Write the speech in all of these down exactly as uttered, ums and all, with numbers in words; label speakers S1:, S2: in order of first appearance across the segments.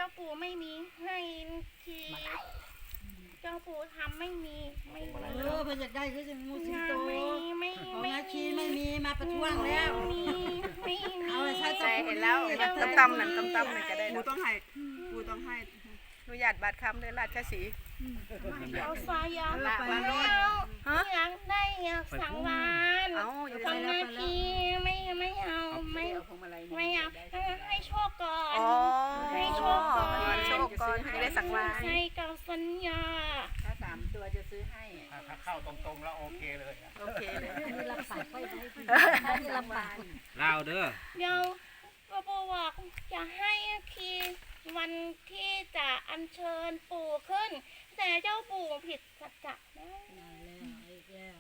S1: าปู่ไม่มีให้ทีเจ้าปู่ทำไม่มีไม่มี
S2: เออเพิ่นอยากได้คือจังงูสิงโต
S1: ไม่ไม่
S2: ของ
S1: ไม่
S2: นาคีไม่มีมาประท้วงแล้ว
S1: มีไม่มี
S2: เอาไว้ใช้
S3: ใจเห็นแล้วตำตำนั่นตำตำนั่นก็ได้
S4: กูต้องให้กูต้องให้
S3: อนุญาตบาดคำเลยราชสีห์
S1: เอาสายา
S3: ละ
S1: ไม่
S3: มาโน่น
S1: เอาอยากได้อยากสั่งวาน
S3: เอาอยู่
S1: ของ
S3: ใน
S1: นาคีไม่ไม่เอาไม่ไม่เอาให้โชคก่อน
S3: อ๋อ
S1: ให้โชคก่อน
S3: ให้โชคก่อนให้ได้สังวาล
S1: ให้กับสัญญา
S5: ถ้าสามตัวจะซื้อให้
S6: ถ้าเข้าตรงๆแล้วโอเคเลยอะ
S3: โอเคเลย
S2: มีลำบากไปได้มีลำบาก
S6: ลาวเด้อ
S1: เดี๋ยวก็บอกจะให้คีวันที่จะอัญเชิญปู่ขึ้น แต่เจ้าปู่ผิดสัจจะนะ
S2: แล้วอีกแล้ว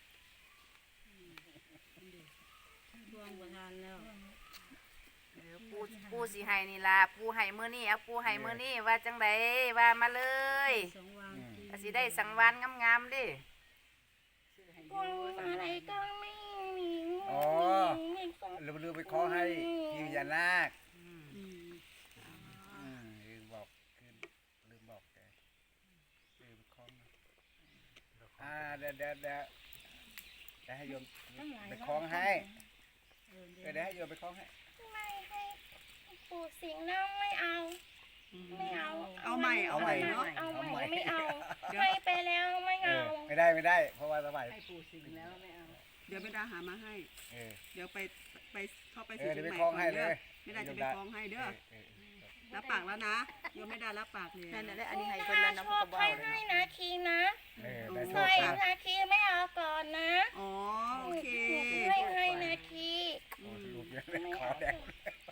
S2: ทวงประทานแล้ว
S3: ปูปูสีไห้นี่ล่ะปูไห้มื้อนี้เอาปูไห้มื้อนี้ว่าจังไดว่ามาเลย
S2: สองวันกิน
S3: ก็สิได้สังวานงามๆดิ
S1: พวงอะไรก็ไม่มี
S6: อ๋อ
S1: ไม่สน
S6: ลืมลืมไปขอให้ที่พญานาค
S2: อืม
S6: อืมลืมบอกคืนลืมบอกแกลืมคล้องนะอ่าเดี๋ยวเดี๋ยวเดี๋ยวเดี๋ยวให้โยมไปคล้องให้เออเดี๋ยวให้โยมไปคล้องให้
S1: ไม่ให้ปู่สิงห์แล้วไม่เอาไม่เอา
S4: เอาใหม่เอาใหม่เนาะ
S1: เอาใหม่ไม่เอาให้ไปแล้วไม่
S6: เอ
S1: เอา
S6: อไม่ได้ไม่ได้ เพราะว่าสมัย
S5: ให้ปูสิงแล้วไม่เอา
S4: เดี๋ยวไม่ได้หามาให้
S6: เออ
S4: เดี๋ยวไปไปเข้าไป
S6: เอ
S4: สิ
S6: อ
S4: เชี
S6: เดี๋
S4: ย
S6: ยว
S4: ง
S6: ไป
S4: ใหม่
S6: คล้อง
S4: ก่อน
S6: ให้เล
S4: เด้อย ไม่ได้จะไปคล้องให้เด้อ
S6: เออ
S4: รับปากแล้วนะโยมไม่ได้รับปากเลย
S3: นั่นแหละอันนี้ให้เพิ่นแล้วน้ำ
S1: ช
S3: พุ
S1: อก บ
S3: ระเบา
S1: ให้
S3: เลย
S1: ให้นาคีนะ
S6: เออได้โช
S1: ใส่
S6: คลาภ
S1: นาคีไม่เอาก่อนนะ
S4: อ๋อโอเค
S1: ให้ให้นาคี
S4: อืม
S6: รูปเยอะเลยขอแดง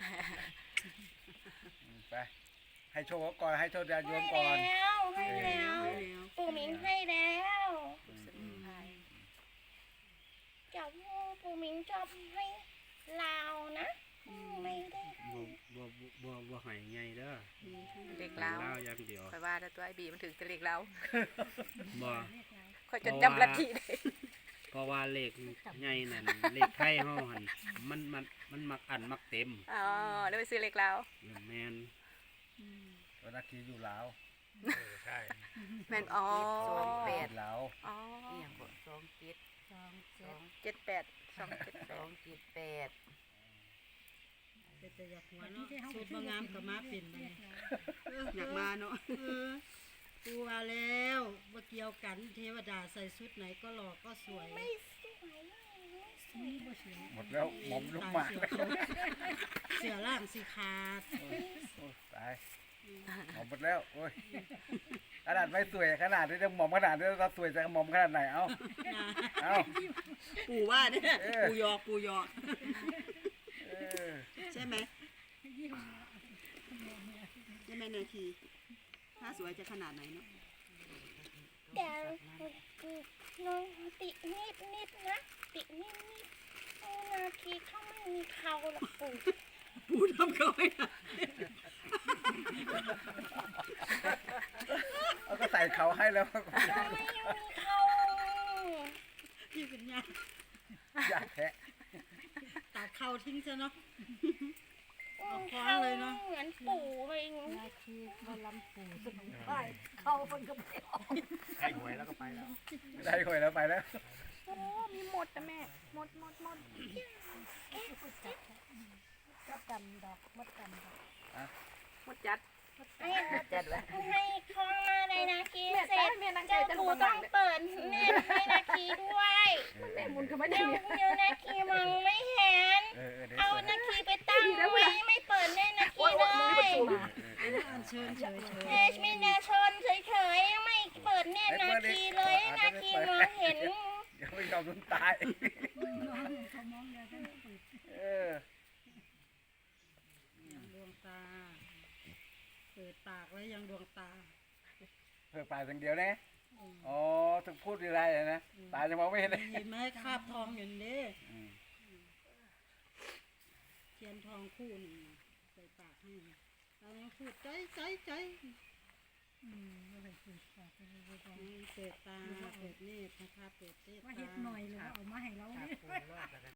S6: อืมไปให้โชคเขาก่อนให้โชคญาติโย
S1: ให้
S6: มก่อน
S1: แล้วให้แล้ว
S4: ให้แล้ว
S1: ปู่หมิงให้แล้ว
S4: อืม
S1: จับปู่หมิงจับให้ลาวนะไม่ได้
S7: บ่บ่บ่บ่บ่ให้ใหญ่เด้อ
S3: เล็กแล้ว
S7: ลาวอย่างเดียว
S3: ค่อยว่าแต่ตัวไอ้บีมันถึงจะเล็กแล้ว
S7: บ่
S3: ค่อยจนจำลัทธิได้
S7: เพราะว่าเลขใหญ่นั่นเลขไทยเฮาหั่นมันมันมันมักอันมักเต็ม
S3: อ๋อแล้วไปซื้อเล็กแล้ว
S7: แม่น
S6: ตัวนักขี่อยู่ลาวใช่
S3: แม่นอ๋อ
S6: แป
S3: แป
S6: ด
S3: ด
S6: ลาว
S3: อ๋อ
S5: นี่อย่างบ่สองเจ็ด
S2: สองเจ็ด
S3: เจ็ดแปดสองเจ็ดแป
S5: สอ
S3: ด
S5: งเจ็ดแปด
S2: เป็นแต่อยากหัวเนาะสูตรบางงามกับมาปิ่นเลย
S4: อยากมาเนาะ
S2: เออกูว่าแล้วว่าเกี่ยวกันเทวดาใส่ชุดไหนก็หล่อก็สวย
S1: ไม่สวยไม่สวย
S6: หมดแล้วหมอมลุกมา
S2: ตายเสือเขาเสือล่างสีขาด
S6: โอ้ยตายหมอมหมดแล้วโอ้ยขนาดไม่สวยขนาดนี้จะหมอมขนาดนี้เราสวยจะหมอมขนาดไหนเอ้า
S2: นะ
S6: เอ้า
S4: ปู่ว่าเนี่ย
S6: เออ
S4: ปู่หยอกปู่หยอก
S6: เออ
S4: ใช่ไหมใช่ไหมนาคีถ้าสวยจะขนาดไหนเนาะ
S1: แต่น้องตินิดนิดนะตินิดนิดนาคีเขาไม่มีเขาหรอกปู่
S4: ปู่ทำเขาให้นะ
S6: เอาก็ใส่เขาให้แล้ว
S1: เขาไม่มีเขา
S2: พี่เป็นยา
S6: อยากแทะ
S2: ตัดเข่าทิ้งซะเนาะ
S1: เขาเหมือนปู่เลย
S2: นาคีเขาลำปู่สมุนไพรเข้ามันก็ไม่ออก
S6: ให้หวยแล้วก็ไปแล้วได้หวยแล้วไปแล้ว
S3: โอ้มีหมดนะแม่หมดหมดหมด
S2: ก็กำดอกมดกำดอก
S3: หมดจัด
S1: ให้
S5: จัดไว้
S1: ให้คล้องมาเลยนาคี
S3: แม่
S1: เสร็
S3: ตาย
S1: จ
S3: แม่นั่งใจ
S1: เจ้า
S3: จะ
S1: ปู่
S3: ลง
S1: ต้
S3: มา
S1: องเปิดเนตรให้นาคีด้วย
S3: แม่มุนก็ไม่ได้
S1: เดี๋ยวเดี๋ยวนาคีมองไม่เห็น
S6: เออเออเดี๋ยว
S1: เอา
S6: สวย
S1: นาคีไปตั้งไว้ไม่เปิดเนตรนาคีเลย
S2: อันเชิญเฉยเฉย
S1: เอชมินาชนเฉยๆไม่เปิดเนตรนาคีเลยนาคีมองเห็น
S6: เดี๋ยวไม่ยอมจนตายเออ
S2: ดวงตา เปิดปากแล้วยังดวงตา
S6: เพื่อปลายอย่างเดียวนะอ๋อถึงพูดอะไรนะตาจะมองไม่เห็นเลย
S2: มีไม้คาบทองอยู่นี่
S6: อืม
S2: เทียนทองคู่หนึ่งใส่ปากให้ตอนนี้พูดใจใจใจอืมอะไรเปิดปากเปิดตาเปิดเนตรนะคะเปิดเนตร
S8: มาเฮ็ดหน่อยหรือว่าเอามาให้เราเนี่ย